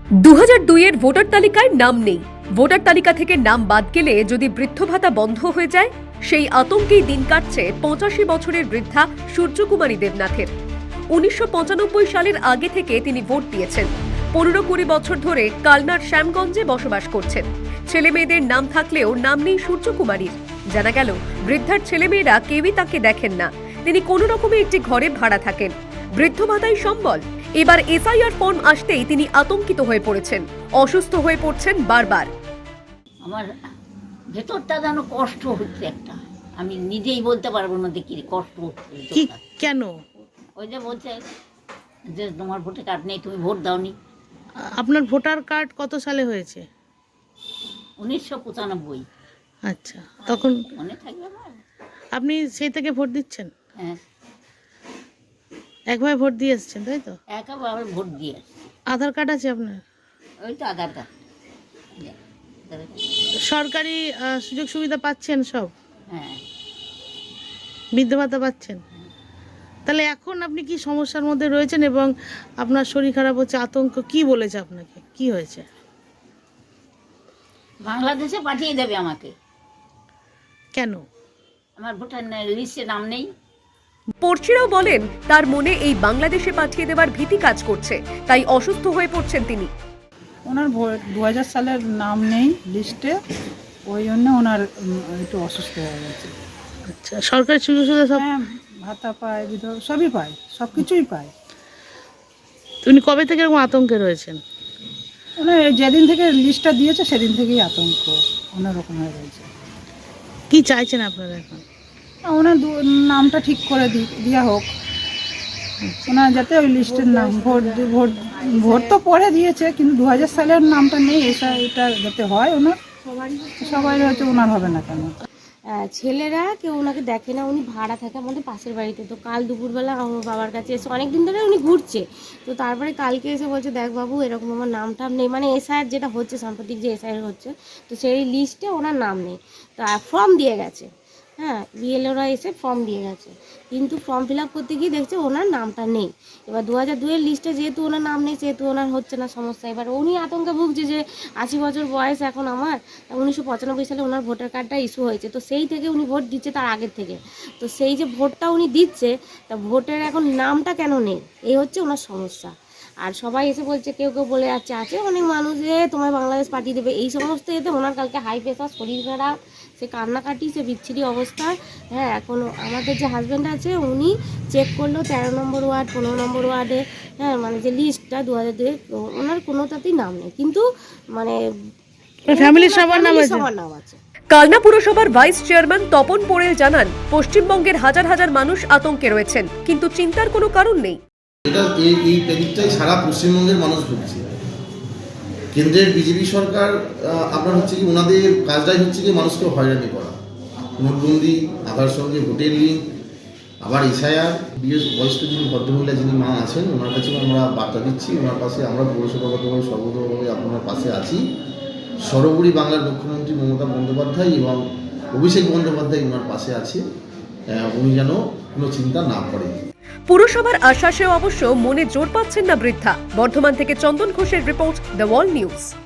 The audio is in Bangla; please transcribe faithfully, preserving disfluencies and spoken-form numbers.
দু হাজার দুই এর ভোটার তালিকায় নাম নেই। ভোটার তালিকা থেকে নাম বাদ গেলে যদি বৃদ্ধ ভাতা বন্ধ হয়ে যায়, সেই আতঙ্কেই দিন কাটছে পঁচাশি বছরের বৃদ্ধা সূর্যকুমারী দেবনাথের। উনিশশো পঁচানব্বই সালের আগে থেকে তিনি ভোট দিয়েছেন। পনেরো কুড়ি বছর ধরে কালনার শ্যামগঞ্জে বসবাস করছেন। ছেলে মেয়েদের নাম থাকলেও নাম নেই সূর্যকুমারীর। জানা গেল, বৃদ্ধার ছেলেমেয়েরা কেউই তাকে দেখেন না। তিনি কোনো রকমে একটি ঘরে ভাড়া থাকেন। বৃদ্ধ ভাতাই সম্বল। এবার এসআইআর ফর্ম আসতেই তিনি আতঙ্কিত হয়ে পড়েছেন। অসুস্থ হয়ে পড়ছেন বারবার। আমার ভেতরটা যেন কষ্ট হচ্ছে একটা, আমি নিজেই বলতে পারবো না যে কি কষ্ট হচ্ছে। কি কেন? ওই যে বলছে যে তোমার ভোটার কার্ড নেই, তুমি ভোট দাওনি। আপনার ভোটার কার্ড কত সালে হয়েছে? উনিশশো পঁচানব্বই। আচ্ছা, তখন মনে থাকবে আমার। আপনি সেই থেকে ভোট দিচ্ছেন? হ্যাঁ, একভাবে ভোট দিয়ে এসছেন, তাই তো? একেবারে ভোট দিয়ে আসছি। আধার কার্ড আছে আপনার? ওই তো আধার কার্ড। সরকারি আহ, সুযোগ সুবিধা পাচ্ছেন সব? হ্যাঁ, বৃদ্ধ ভাতা পাচ্ছেন? তাহলে এখন আপনি কি সমস্যার মধ্যে রয়েছেন এবং আপনার শরীর খারাপ হচ্ছে, আতঙ্ক কি বলেছে আপনাকে? কি হয়েছে? বাংলাদেশে পাঠিয়ে দেবে আমাকে। কেন? আমার ভোটার লিস্টে নাম নেই। পড়শিরাও বলেন, তার মনে এই বাংলাদেশে পাঠিয়ে দেওয়ার ভীতি কাজ করছে, তাই অসুস্থ হয়ে পড়ছেন তিনি। ওনার দু হাজার সালের নাম নেই লিস্টে, ওই জন্য ওনার উম, একটু অসুস্থ হয়ে গেছে। আচ্ছা, সরকারি সুযোগ সুবিধা সব? হ্যাঁ, ভাতা পায়, বিধবা সবই পায়, সব কিছুই পায়। উনি কবে থেকে এরকম আতঙ্কে রয়েছেন? ওনার যেদিন থেকে লিস্টটা দিয়েছে সেদিন থেকেই আতঙ্ক অন্যরকম হয়ে রয়েছে। কি চাইছেন আপনারা এখন? ওনার দু- নামটা ঠিক করে দি দেওয়া হোক, ওনার যাতে ওই লিস্টের নাম ভোট দি- ভোট ভোট তো পরে দিয়েছে, কিন্তু দু হাজার সালের নামটা নেই, এসা এটা যাতে হয় ওনার। সবাই হয়তো ওনার হবে না কেন? আহ, ছেলেরা কেউ ওনাকে দেখে না, উনি ভাড়া থাকে আমাদের পাশের বাড়িতে। তো কাল দুপুরবেলা আমার বাবার কাছে এসে, অনেক দিন ধরে উনি ঘুরছে, তো তারপরে কালকে এসে বলছে, দেখ বাবু এরকম আমার নাম টাম নেই, মানে এসআইআর যেটা হচ্ছে সাম্প্রতিক যে এসআইআর হচ্ছে, তো সেই লিস্টে ওনার নাম নেই। তো ফর্ম দিয়ে গেছে, হ্যাঁ, বিএলওরা এসে ফর্ম দিয়ে গেছে, কিন্তু ফর্ম ফিল আপ করতে গিয়ে দেখছে ওনার নামটা নেই। এবার দু হাজার দুইয়ের লিস্টে যেহেতু ওনার নাম নেই, সেহেতু ওনার হচ্ছে না সমস্যা। এবার উনি আতঙ্কে ভুগছে যে আশি বছর বয়স এখন আমার, উনিশশো পঁচানব্বই সালে ওনার ভোটার কার্ডটা ইস্যু হয়েছে, তো সেই থেকে উনি ভোট দিচ্ছে তার আগের থেকে। তো সেই যে ভোটটা উনি দিচ্ছে, তা ভোটের এখন নামটা কেন নেই, এই হচ্ছে ওনার সমস্যা। আর সবাই এসে বলছে, কেউ কেউ বলে যাচ্ছে, আছে অনেক মানুষ যে তোমায় বাংলাদেশ পাঠিয়ে দেবে, এই সমস্ত এতে ওনার কালকে হাই প্রেশার, শরীর খারাপ, সে কান্নাকাটি, সে বিচ্ছিরি অবস্থা। হ্যাঁ, এখন আমাদের যে হাজব্যান্ড আছে উনি চেক করলো তেরো নম্বর ওয়ার্ড, পনেরো নম্বর ওয়ার্ডে, হ্যাঁ, মানে যে লিস্টটা দু হাজার দুই, ওনার কোনোটাতেই নাম নেই, কিন্তু মানে ফ্যামিলির সবার নাম আছে। সবার নাম আছে। কালনা পুরসভার ভাইস চেয়ারম্যান তপন পোড়েল জানান, পশ্চিমবঙ্গের হাজার হাজার মানুষ আতঙ্কে রয়েছেন, কিন্তু চিন্তার কোনো কারণ নেই। এটা এই এই প্যানিকটাই সারা পশ্চিমবঙ্গের মানুষ ভুগছে। কেন্দ্রের বিজেপি সরকার আপনার হচ্ছে কি, ওনাদের কাজটাই হচ্ছে কি মানুষকে হয়রানি করা। নোটবন্দি, আধার সঙ্গে ভোটের লিঙ্ক, আবার এসআইআর। বিশেষ বয়স্ক যিনি ভদ্রমহিলা যিনি মা আছেন, ওনার কাছে আমরা বার্তা দিচ্ছি, ওনার পাশে আমরা পৌরসভাগতভাবে সর্বতভাবে আপনার পাশে আছি। সর্বোপরি বাংলার মুখ্যমন্ত্রী মমতা বন্দ্যোপাধ্যায় এবং অভিষেক বন্দ্যোপাধ্যায় ওনার পাশে আছে, উনি যেন কোনো চিন্তা না করেন। পুরসভার আশ্বাসেও অবশ্য মনে জোর পাচ্ছেন না বৃদ্ধা। বর্ধমান থেকে চন্দন ঘোষের রিপোর্ট, দ্য ওয়াল নিউজ।